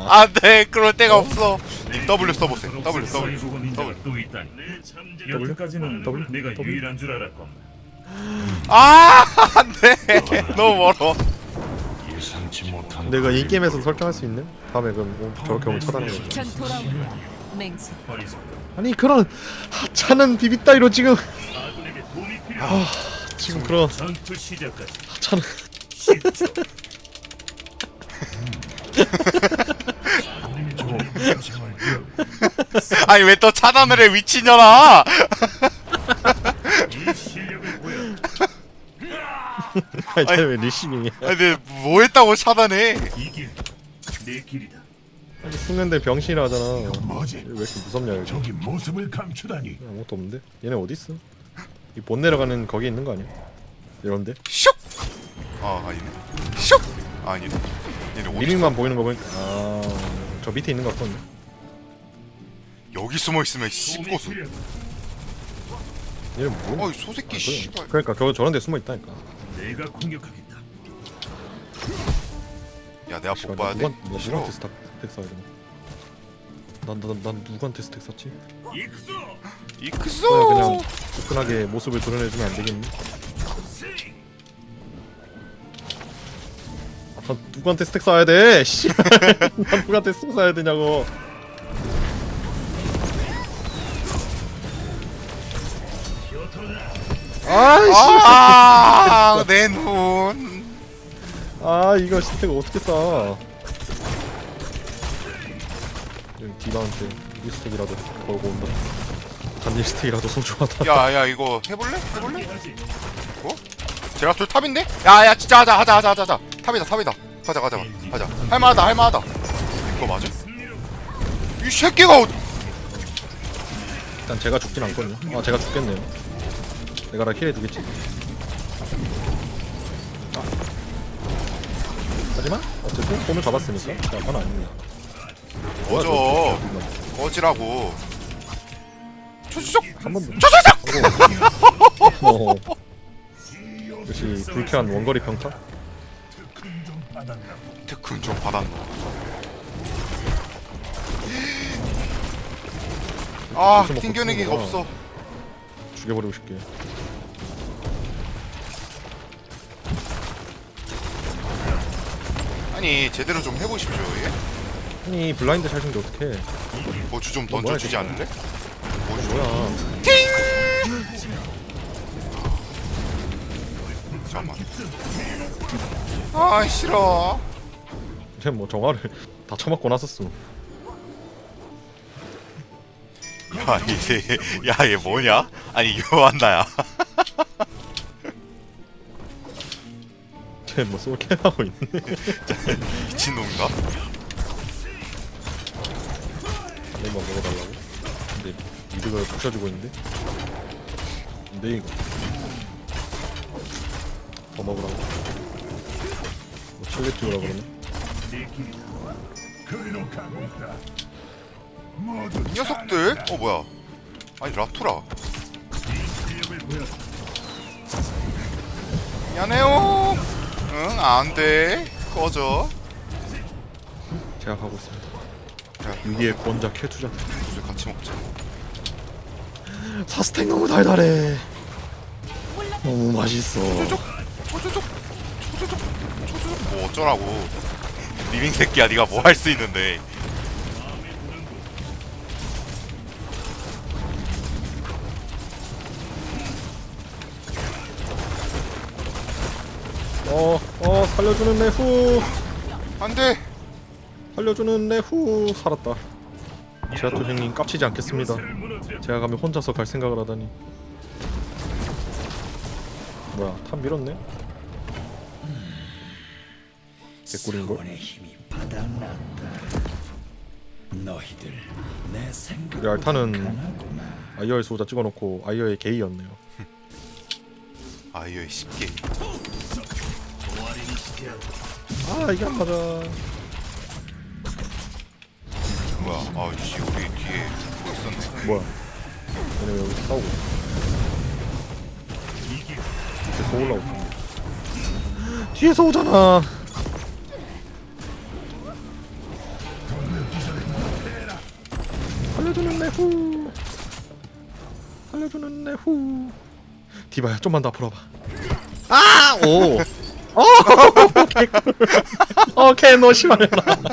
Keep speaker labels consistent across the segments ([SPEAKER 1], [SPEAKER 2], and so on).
[SPEAKER 1] 안돼 그럴 데가 없어. 님 W 써보세요. W.
[SPEAKER 2] 여기까지는
[SPEAKER 3] W?
[SPEAKER 2] 내가 유일한 줄 알았건.
[SPEAKER 1] 아 안돼 너무 멀어.
[SPEAKER 4] 예상치 못한
[SPEAKER 3] 내가 인게임에서 설정할 수 있는? 다음에 그럼 저렇게 오면 차단해.
[SPEAKER 5] 전 돌아옵니다. 맹세.
[SPEAKER 3] 아니 그런 하찮은 비비 따위로 지금
[SPEAKER 2] 아군에게 도움이 필요한
[SPEAKER 3] 지금 그런
[SPEAKER 2] 전투 시작까지
[SPEAKER 3] 하찮은
[SPEAKER 2] 10초.
[SPEAKER 1] 아니 왜 또 차단을 해 미친년아.
[SPEAKER 2] 이 실력을 보여.
[SPEAKER 3] 아니 쟤왜 리시밍이야?
[SPEAKER 1] 아니 근데 뭐 했다고 차단해.
[SPEAKER 2] 이길 내 길이다.
[SPEAKER 3] 아니 숙련된 병신이라 하잖아.
[SPEAKER 4] 뭐지?
[SPEAKER 3] 왜 이렇게 무섭냐 여기?
[SPEAKER 4] 저기 모습을 감추다니.
[SPEAKER 3] 아무것도 없는데? 얘네 어디 있어? 이 못 내려가는 거기 있는 거 아니야? 이런데?
[SPEAKER 1] 슉. 아 아니네. 슉. 아니네. 얘네 어디
[SPEAKER 3] 리밍만 보이는 거 보니까 저 밑에 있는 거 같거든요.
[SPEAKER 1] 여기 숨어 있으면 씹고수.
[SPEAKER 2] 필요한
[SPEAKER 3] 얘는 뭐야?
[SPEAKER 1] 어이 소새끼 씨발.
[SPEAKER 3] 그러니까 저런 데 숨어 있다니까.
[SPEAKER 2] 내가 공격하겠다.
[SPEAKER 1] 야 내가 복 봐야 돼.
[SPEAKER 3] 누구한테
[SPEAKER 1] 싫어.
[SPEAKER 3] 스택 써야 되나? 난 누구한테 스택 썼지?
[SPEAKER 2] 익소.
[SPEAKER 1] 이크소.
[SPEAKER 3] 그냥 후끈하게 모습을 드러내주면 안 되겠니? 난 누구한테 스택 써야 돼? 씨. 난 누구한테 스택 써야 되냐고. 아이씨.
[SPEAKER 1] 아내 눈.
[SPEAKER 3] 아 이거 스택 어떻게 써? 디바한테 이 스택이라도 걸고 온다. 단일 스택이라도 소중하다.
[SPEAKER 1] 야야 이거 해볼래? 뭐? 제라툴 탑인데? 야야 진짜 하자. 탑이다. 가자. 할만하다. 이거 맞아? 이 새끼가
[SPEAKER 3] 일단 제가 죽진 않거든요. 아 제가 죽겠네요. 내가 나 힐해 두겠지. 하지만 어쨌든 손을 잡았으니까 그건 아닙니다.
[SPEAKER 1] 꺼져. 꺼지라고. 초초촉.
[SPEAKER 3] 한 번 더.
[SPEAKER 1] 초초촉.
[SPEAKER 3] 어. 역시 불쾌한 원거리 평타.
[SPEAKER 1] 특훈 좀 받았노. 아 튕겨내기가 없어.
[SPEAKER 3] 죽여버리고 싶게.
[SPEAKER 1] 아니 제대로 좀 해보십시오. 예?
[SPEAKER 3] 아니 블라인드 샷인데 어떡해.
[SPEAKER 1] 보주 좀
[SPEAKER 3] 뭐야,
[SPEAKER 1] 던져주지
[SPEAKER 3] 이거?
[SPEAKER 1] 않을래? 보주.
[SPEAKER 3] 뭐야.
[SPEAKER 1] 잠깐만. 아 싫어.
[SPEAKER 3] 쟤뭐 정화를 다 처먹고 났었어.
[SPEAKER 1] 야 이제 야얘 뭐냐? 아니 요한나야.
[SPEAKER 3] 쟤뭐 솔캐 하고 있네.
[SPEAKER 1] 미친놈인가?
[SPEAKER 3] 한 입만 먹어달라고? 근데 이득을 부셔주고 있는데? 근데 이거 더 먹으라고? 뭐 칠레 찌우라 그러네?
[SPEAKER 4] 그리로 가고 있다.
[SPEAKER 1] 이 녀석들? 뭐야? 아니 라투라. 미안해요. 응 안돼. 꺼져.
[SPEAKER 3] 제가 가고 있습니다.
[SPEAKER 1] 야
[SPEAKER 3] 위기의 권자 캐투자.
[SPEAKER 1] 우리 같이 먹자.
[SPEAKER 3] 사스텍 너무 달달해. 너무 맛있어.
[SPEAKER 1] 초조족. 뭐 어쩌라고. 리빙 새끼야 네가 뭐 할 수 있는데.
[SPEAKER 3] 살려주는 내 후.
[SPEAKER 1] 안돼.
[SPEAKER 3] 살려주는 내 후. 살았다. 제라토 형님 깝치지 않겠습니다. 제가 가면 혼자서 갈 생각을 하다니. 뭐야 탑 밀었네? 개꿀인걸? 우리 알타는 아이어의 수호자 찍어놓고 아이어의 게이였네요.
[SPEAKER 1] 아이어의 10개.
[SPEAKER 3] 아 이게 안 맞아.
[SPEAKER 1] 뭐야? 아이씨 우리 뒤에 뭐 있었네.
[SPEAKER 3] 뭐야 얘네 왜 여기 싸우고 있어. 계속 올라오고 뒤에서 오잖아. 살려주는 내후. 살려주는 내후. 디바야 좀만 더 앞으로 와봐. 아! 오! 오케이 너 심하려나.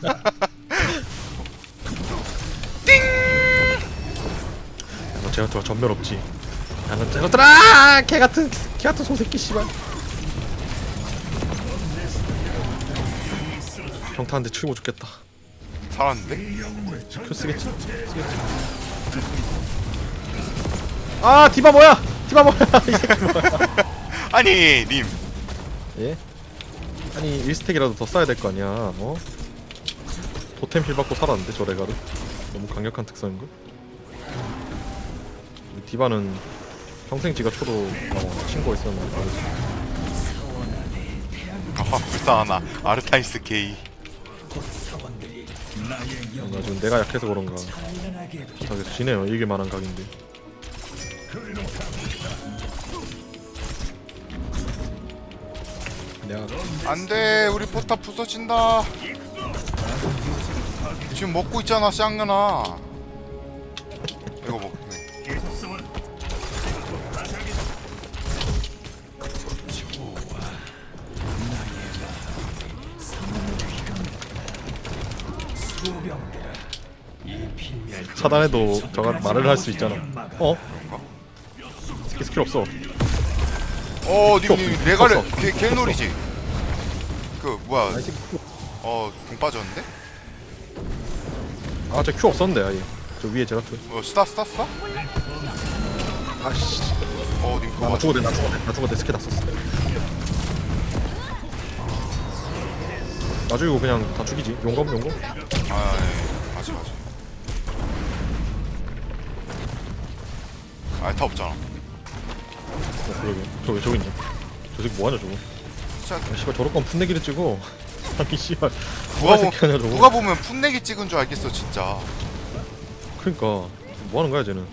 [SPEAKER 3] 너 제라토가 전멸 없지. 야너 제라토라! 개같은 소새끼 씨발. 평타 한 대 치고 죽겠다.
[SPEAKER 1] 살았는데?
[SPEAKER 3] 큐 쓰겠지? 아 디바 뭐야? 디바 뭐야? 이 새끼 뭐야?
[SPEAKER 1] 아니 님
[SPEAKER 3] 예? 아니 1스택이라도 더 쌓아야 될 거 아니야. 어? 토템 힐 받고 살았는데 저 레가르 너무 강력한 특성인걸? 이 디바는 평생 지가 쳐도 친구가 있었나 다르지.
[SPEAKER 1] 아 불쌍하나 아르타이스 게이.
[SPEAKER 3] 뭔가 지금 내가 약해서 그런가 계속 지네요. 이길만한 각인데. 내가
[SPEAKER 1] 안돼 우리 포탑 부서진다. 지금 먹고 있잖아 쌍년아. 이거 먹.
[SPEAKER 3] 차단해도 저가 말을 할 수 있잖아. 어? 스킬 없어.
[SPEAKER 1] 님 레가르
[SPEAKER 3] 없어.
[SPEAKER 1] 개놀이지. 그 뭐야?
[SPEAKER 3] 아이 새끼 큐.
[SPEAKER 1] 공 빠졌는데?
[SPEAKER 3] 아저 큐 없었는데 아예. 저 위에 제라토.
[SPEAKER 1] 스타?
[SPEAKER 3] 아씨.
[SPEAKER 1] 님
[SPEAKER 3] 나
[SPEAKER 1] 그거
[SPEAKER 3] 죽어대 스킬 다 썼어. 나 죽이고 그냥 다 죽이지. 용검.
[SPEAKER 1] 맞아. 다 없잖아.
[SPEAKER 3] 그러게. 저기 있네. 저 새끼 뭐하냐 저거.
[SPEAKER 1] 진짜
[SPEAKER 3] 아, 씨발 저럴 거면 풋내기를 찍어. 아니 씨발
[SPEAKER 1] 누가,
[SPEAKER 3] 새끼 하냐 저거.
[SPEAKER 1] 누가 보면 풋내기 찍은 줄 알겠어 진짜.
[SPEAKER 3] 그러니까 뭐하는 거야 쟤는.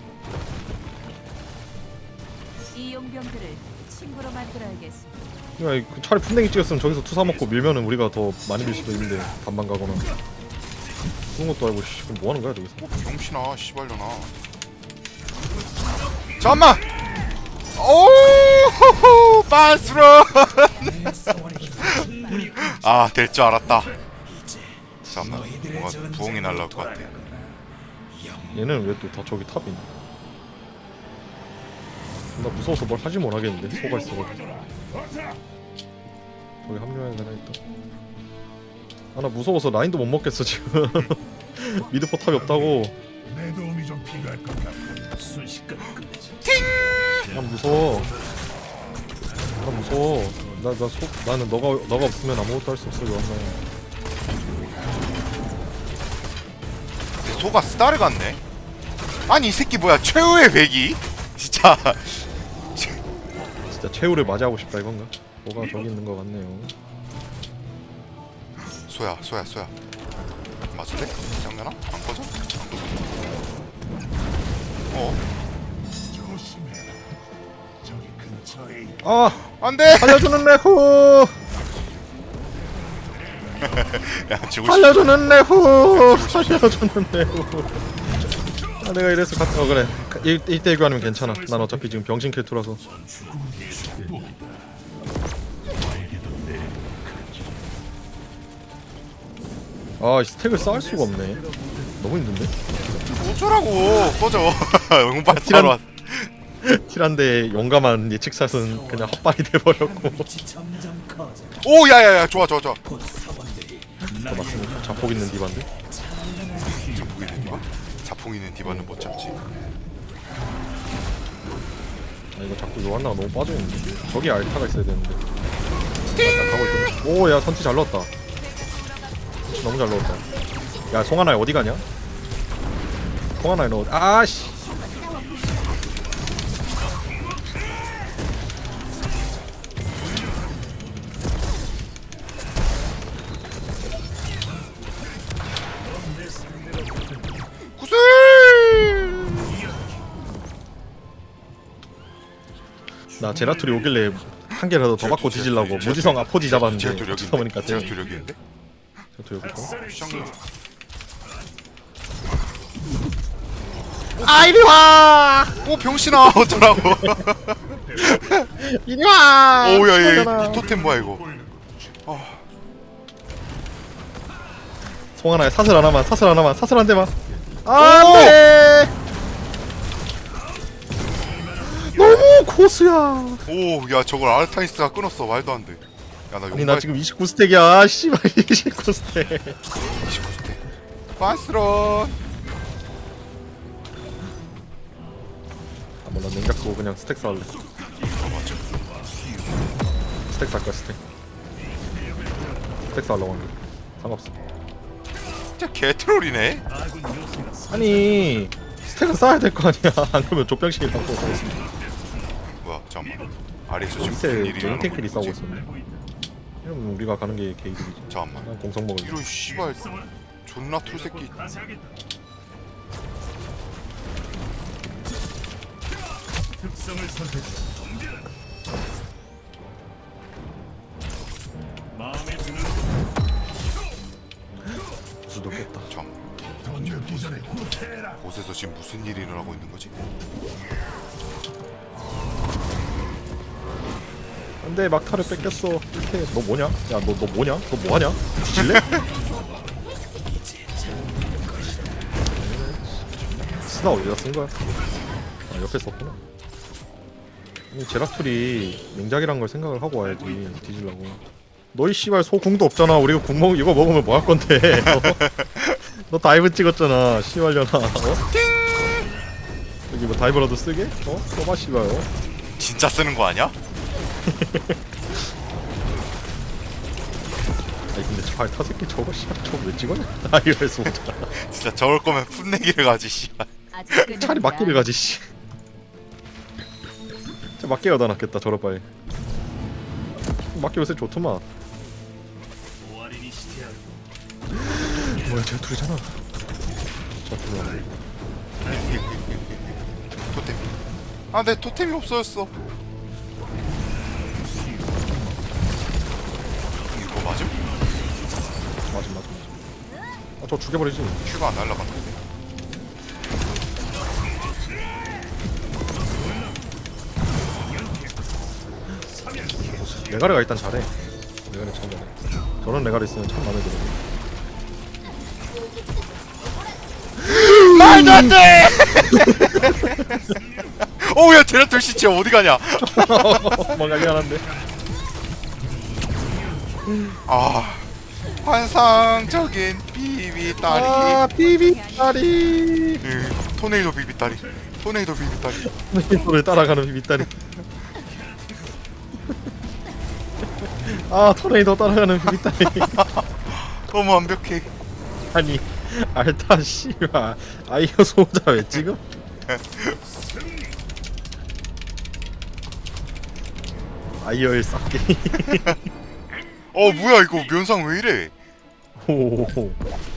[SPEAKER 5] 이 용병들을 친구로 만들어야겠습니다.
[SPEAKER 3] 그러니까 차라리 풋내기 찍었으면 저기서 투사 먹고 밀면은 우리가 더 많이 밀 수도 있는데 반반 가거나 그런 것도 알고 씨 그럼 뭐하는 거야 저기서.
[SPEAKER 1] 병신아 씨발려나. 잠깐만. 오 반스런. 될 줄 알았다. 잠깐만 뭔가 부엉이 날라올 것 같아.
[SPEAKER 3] 얘는 왜 또 다 저기 탑이니? 나 무서워서 뭘 하지 못하겠는데 소가 있어가지고. 저기 합류해야 되나 일단. 나 무서워서 라인도 못 먹겠어 지금. 미드 포탑이 없다고.
[SPEAKER 4] 내 도움이 좀 필요할 것 같아. 순식간에 끝내자.
[SPEAKER 3] 난 무서워. 나는 너가 없으면 아무것도 할 수 없어 요한나.
[SPEAKER 1] 소가 스타를 갔네. 아니 이 새끼 뭐야 최후의 배기? 진짜.
[SPEAKER 3] 진짜 최후를 맞이하고 싶다 이건가? 뭐가 저기 있는 것 같네요.
[SPEAKER 1] 소야. 맞을래? 장난아? 안 꺼져?
[SPEAKER 4] 조심해. 저기 근처에 있-
[SPEAKER 3] 아
[SPEAKER 1] 안돼.
[SPEAKER 3] 살려주는 내후.
[SPEAKER 1] 야 죽을 수.
[SPEAKER 3] 살려주는 내후. 살려주는 내후. 아 내가 이래서 갔다. 그래 1대1 교환이면 괜찮아. 난 어차피 지금 병신 킬투라서. 아 스택을 쌓을 수가 없네. 너무 힘든데?
[SPEAKER 1] 어쩌라고 꺼져. 용발 사러 왔.
[SPEAKER 3] 킬한데 용감한 예측샷은 그냥 헛발이 돼버렸고.
[SPEAKER 1] 오 야야야 좋아.
[SPEAKER 3] 그거 맞습니까? 자폭 있는 디반데?
[SPEAKER 1] 자폭 있는 디바? 자폭 있는 디바는 못 잡지.
[SPEAKER 3] 아 이거 자꾸 요한나가 너무 빠져있는데. 저기 알타가 있어야 되는데. 나 가고 있거든. 오야 선티 잘 넣었다. 선티 너무 잘 넣었다. 야 송하나 어디 가냐? 송하나 너 아씨.
[SPEAKER 1] 구슬.
[SPEAKER 3] 나 제라툴이 오길래 한 개라도 더 받고 뒤질라고 무지성 아포지 잡았는데
[SPEAKER 1] 제라툴 여기
[SPEAKER 3] 찾다 보니까
[SPEAKER 1] 있는데? 제라툴 여기 있는데?
[SPEAKER 3] 제라툴 여기 있고.
[SPEAKER 1] 시장님.
[SPEAKER 3] 아 이리 와
[SPEAKER 1] 오 병신아 어쩌라고.
[SPEAKER 3] 이리 와
[SPEAKER 1] 오야
[SPEAKER 3] 죽었잖아.
[SPEAKER 1] 얘 토템 뭐야 이거.
[SPEAKER 3] 송하나야 사슬 하나만 사슬 하나만 사슬 한 대만 안돼 너무 고수야
[SPEAKER 1] 오야 저걸 아르타니스가 끊었어. 말도 안 돼. 야나
[SPEAKER 3] 아니 나 지금 29스택이야 씨발 29스택
[SPEAKER 1] 29대. 바스런.
[SPEAKER 3] 아 몰라 냉각 쏘고 그냥 스택 쌓을래 스택 쌓을 거야 스택 스택 쌓으려고 하는데 상관없어
[SPEAKER 1] 진짜 개트롤이네.
[SPEAKER 2] 아군 요새가
[SPEAKER 3] 아니 스택은 쌓아야 될 거 아니야 안 그러면 족병식이라고
[SPEAKER 1] 뭐야 잠깐만. 아래에서 지금
[SPEAKER 3] 밑에
[SPEAKER 1] 무슨 일이 일어나고
[SPEAKER 3] 쟁탱클이
[SPEAKER 1] 있는
[SPEAKER 3] 싸우고
[SPEAKER 1] 거지?
[SPEAKER 3] 있었네 이러면 우리가 가는 게 개이득이지
[SPEAKER 1] 잠깐만.
[SPEAKER 3] 난 공성 먹을
[SPEAKER 1] 이런 씨발 존나 툴 새끼.
[SPEAKER 2] 가사하겠다. 특성을 선택해. 덤벼라. 마음에 드는
[SPEAKER 3] 수도 깼다
[SPEAKER 1] 참
[SPEAKER 4] 던져기 전에 후퇴해라.
[SPEAKER 1] 곳에서 지금 무슨 일이 일어나고 있는 거지?
[SPEAKER 3] 안돼 막타를 뺏겼어 이렇게 너 뭐냐? 야 너 뭐냐? 너 뭐하냐? 뒤질래? 스나 어디다 쓴 거야? 아 옆에 썼구나 아니 제라툴이 맹작이란 걸 생각을 하고 와야지 뒤질라고 너희 씨발 소궁도 없잖아 우리가 이거 먹으면 뭐 할 건데 너 다이브 찍었잖아 씨발려나 어? 여기 뭐 다이브라도 쓰게? 어? 써봐 씨발 어?
[SPEAKER 1] 진짜 쓰는 거 아니야?
[SPEAKER 3] 아니 근데 저 타새끼 저거 씨발 저거 왜 찍었냐? 아 이래서 오잖아
[SPEAKER 1] 진짜 저럴 거면 풋내기를 가지 씨발.
[SPEAKER 5] 아직 끝이
[SPEAKER 3] 차라리
[SPEAKER 5] 아니다.
[SPEAKER 3] 막기를 가지 씨. 진짜 막기가 더 낫겠다 저럴 바에 막기 요새 좋더만
[SPEAKER 2] 오아리니 시티아.
[SPEAKER 3] 뭐야 쟤 둘이잖아 저 둘이
[SPEAKER 1] 토템. 아 내 토템이 없어졌어. 이거 맞음?
[SPEAKER 3] 맞아 아저 죽여버리지
[SPEAKER 1] 큐가 안 날라갔는데.
[SPEAKER 3] 레가르가 일단 잘해 레가르 참 잘해 저런 레가르 있으면 참 마음에 들어
[SPEAKER 1] 말도 안 돼! 오야 제라툴 시체 어디 가냐?
[SPEAKER 3] 뭔가 미안한데
[SPEAKER 1] 아 환상적인 비비다리.
[SPEAKER 3] 아 비비다리
[SPEAKER 1] 토네이도 비비다리. 토네이도 비비다리.
[SPEAKER 3] 소를 따라가는 비비다리 아 토네이도 따라가는 비비다리
[SPEAKER 1] 너무 완벽해.
[SPEAKER 3] 아니 알타 씨발 아이어 소자 왜 찍어? 아이어의 싹게
[SPEAKER 1] 어 뭐야 이거 면상 왜 이래?
[SPEAKER 3] 오호호